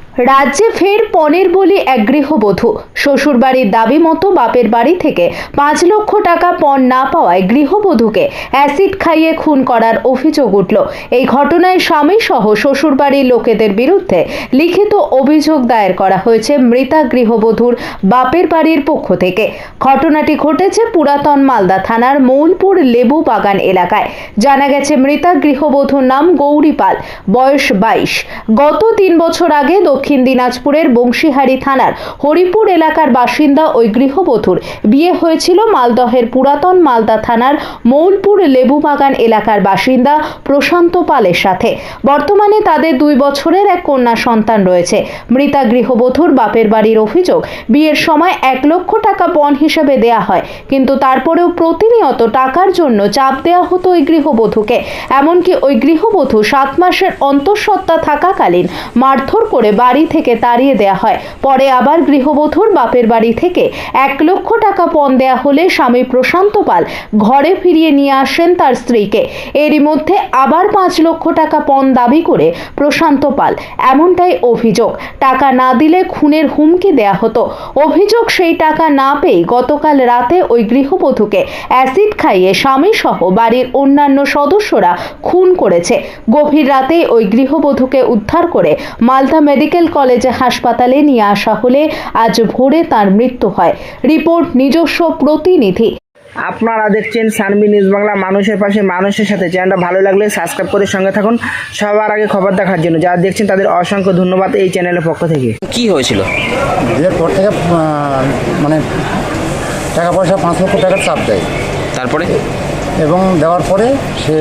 রাজ্যে ফের পণের বলি এক গৃহবধূ। শ্বশুরবাড়ির দাবি মতো বাপের বাড়ি থেকে ৫ লক্ষ টাকা পণ না পাওয়ায় গৃহবধূকে অ্যাসিড খাইয়ে খুন করার অভিযোগ উঠল। এই ঘটনায় স্বামী সহ শ্বশুরবাড়ির লোকেদের বিরুদ্ধে লিখিত অভিযোগ দায়ের করা হয়েছে মৃতা গৃহবধূর বাপের বাড়ির পক্ষ থেকে। ঘটনাটি ঘটেছে পুরাতন মালদা থানার মৌলপুর লেবু বাগান এলাকায়। জানা গেছে মৃতা গৃহবধূর নাম গৌরী পাল, বয়স 22। গত ৩ বছর আগে দক্ষিণ দিনাজপুরের বংশীহারি থানার হরিপুর এলাকার বাসিন্দা ওই গৃহবধূর বিয়ে হয়েছিল মালদহের পুরাতন মালদা থানার মৌলপুর লেবু বাগান এলাকার বাসিন্দা প্রশান্ত পালের সাথে। বর্তমানে তাদের 2 বছরের এক কন্যা সন্তান রয়েছে। মৃতা গৃহবধূর বাপের বাড়ির অভিযোগ, বিয়ের সময় 1 লক্ষ টাকা পণ হিসেবে দেয়া হয়, কিন্তু তারপরেও প্রতিনিয়ত টাকার জন্য চাপ দেওয়া হতো ওই গৃহবধূকে। এমনকি ওই গৃহবধূ 7 মাসের অন্তঃসত্ত্বা থাকাকালীন মারধর করে বাড়ি থেকে তাড়িয়ে দেওয়া হয়। পরে আবার গৃহবধূর বাপের বাড়ি থেকে 1 লক্ষ টাকা পণ দেওয়া হলে স্বামী প্রশান্ত পাল ঘরে ফিরিয়ে নিয়ে আসেন তার স্ত্রীকে। এরই মধ্যে আবার 5 লক্ষ টাকা পণ দাবি করে প্রশান্ত পাল, এমনটাই অভিযোগ। টাকা না দিলে খুনের হুমকি দেয়া হতো। অভিযোগ, সেই টাকা না পেয়ে গতকাল রাতে ওই গৃহবধূকে অ্যাসিড খাইয়ে স্বামী সহ বাড়ির অন্যান্য সদস্যরা খুন করেছে। গভীর রাতে ওই গৃহবধূকে উদ্ধার করে মালদা মেডিকেল কলেজে হাসপাতালে নিয়ে আসা হলে আজ ভোরে তার মৃত্যু হয়। রিপোর্ট নিজস্ব প্রতিনিধি। আপনারা দেখছেন সানবি নিউজ বাংলা, মানুষের পাশে মানুষের সাথে। চ্যানেলটা ভালো লাগলে সাবস্ক্রাইব করে সঙ্গে থাকুন সবার আগে খবর দেখার জন্য। যারা দেখছেন তাদের অসংখ্য ধন্যবাদ এই চ্যানেলের পক্ষ থেকে। কি হয়েছিল? বিয়ের পর থেকে মানে টাকা পয়সা 5 লক্ষ টাকার চাপ দেয়, তারপরে এবং দেওয়ার পরে সে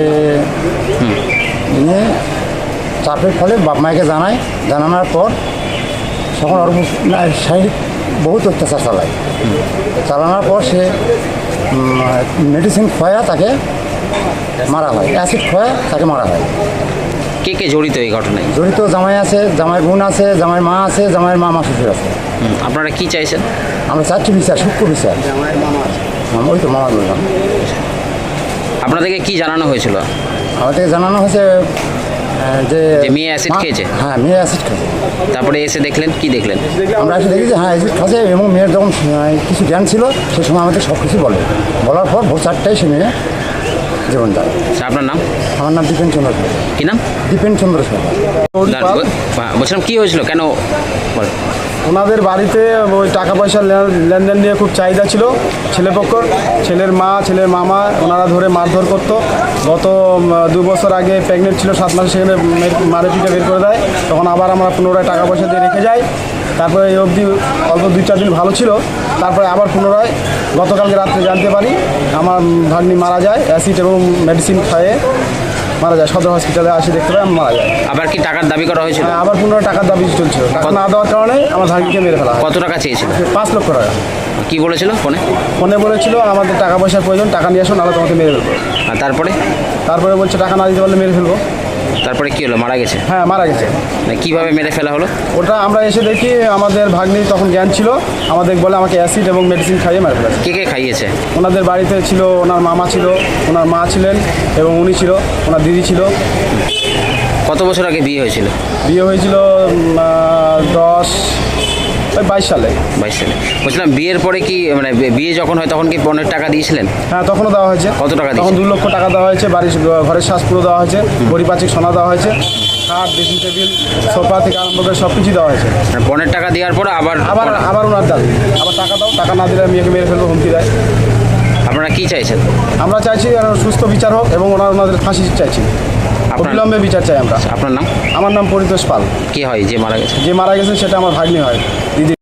নিয়ে চাপের ফলে বাপ মাকে জানানোর পর তখন ওর শারীরিক বহুত অত্যাচার চালানোর পর সে মেডিসিন খোয়া তাকে মারা হয়, অ্যাসিড খোয়া তাকে মারা হয়। কে কে জড়িত এই ঘটনায়? জড়িত জামাই আছে, জামাই বোন আছে, জামাই মা আছে, জামাইয়ের মা শ্বশুর আছে। আপনারা কি চাইছেন? আমরা চাচ্ছি বিচার, সূক্ষ্ম বিচার। ওই তো মামা বললাম। আপনাদেরকে কি জানানো হয়েছিল? আমাদেরকে জানানো হয়েছে যে মেয়ে অ্যাসিড খেয়েছে। হ্যাঁ, মেয়ে অ্যাসিড খেয়েছে। তারপরে এসে দেখলেন, কি দেখলেন? আমরা এসে দেখি যে হ্যাঁ অ্যাসিড খাচ্ছে, এবং মেয়ের যখন কিছু জ্ঞান ছিল সে সময় আমাদের সব কিছু বলার পর ভোর 4টায় সে মেয়ে জীবন যায়। আপনার নাম? আমার নাম দীপেন চন্দ্র সরকার। কি নাম? দীপেন চন্দ্র সরকার। বলছিলাম কি হয়েছিল, কেন? ওনাদের বাড়িতে ওই টাকা পয়সার লেনদেন নিয়ে খুব চাহিদা ছিল ছেলেপক্ষর। ছেলের মা, ছেলের মামা ওনারা ধরে মারধর করতো। গত 2 বছর আগে প্রেগনেন্ট ছিল, 7 মাসে সেখানে মারে পিঠে বের করে দেয়। তখন আবার আমরা পুনরায় টাকা পয়সা দিয়ে রেখে যাই। তারপরে এই অবধি অল্প 2-4 দিন ভালো ছিল। তারপরে আবার পুনরায় গতকালকে রাত্রে জানতে পারি আমার ভাগ্নি মারা যায়, অ্যাসিড এবং মেডিসিন খাইয়ে মারা যায়। সদর হসপিটালে আসি দেখতে পাই মারা যায়। আবার কি টাকার দাবি করা হয়েছিল? হ্যাঁ, আবার পুনরায় টাকার দাবি চলছিল। টাকা না দেওয়ার কারণে আমার ভাগ্নিকে মেরে ফেলা হয়। কত টাকা চেয়েছিল? 5 লক্ষ টাকা। কি বলেছিল ফোনে? ফোনে বলেছিল আমাদের টাকা পয়সার প্রয়োজন, টাকা নিয়ে আসো, নাহলে তোমাকে মেরে ফেলবো। আর তারপরে বলছে টাকা না দিতে পারলে মেরে ফেলবো। তারপরে কি হলো? মারা গেছে? হ্যাঁ, মারা গেছে। কিভাবে মেরে ফেলা হলো? ওটা আমরা এসে দেখি আমাদের ভাগ্নি তখন জ্ঞান ছিল, আমাদের বলে আমাকে অ্যাসিড এবং মেডিসিন খাইয়ে মেরে ফেলেছে। কে কে খাইয়েছে? ওনাদের বাড়িতে ছিল ওনার মামা ছিল, ওনার মা ছিলেন এবং উনি ছিল, ওনার দিদি ছিল। কত বছর আগে বিয়ে হয়েছিল? বিয়ে হয়েছিল 22 সালে। 22 সালে। বলছিলাম বিয়ের পরে কি মানে বিয়ে যখন হয় তখন কি পণের টাকা দিয়েছিলেন? হ্যাঁ, তখনও দেওয়া হয়েছে। কত টাকা? তখন 2 লক্ষ টাকা দেওয়া হয়েছে। ঘরের শ্বাস পুরো দেওয়া হয়েছে, পরিপাচিক সোনা দেওয়া হয়েছে, খাট, ড্রেসিং টেবিল, সোফা থেকে আরম্ভ করে সব কিছুই দেওয়া হয়েছে। পণের টাকা দেওয়ার পর আবার ওনার দাবি আবার টাকা দাও, টাকা না দিলে মেয়েকে মেরে ফেলবো, হুমকি দেয়। আপনারা কি চাইছেন? আমরা চাইছি সুস্থ বিচার হোক এবং ওনাদের ফাঁসি চাইছি, অবিলম্বে বিচার চাই আমরা। আপনার নাম? আমার নাম পরিতোষ পাল। কি হয় যে মারা গেছে? যে মারা গেছে সেটা আমার ভাগ্নি হয়, দিদি।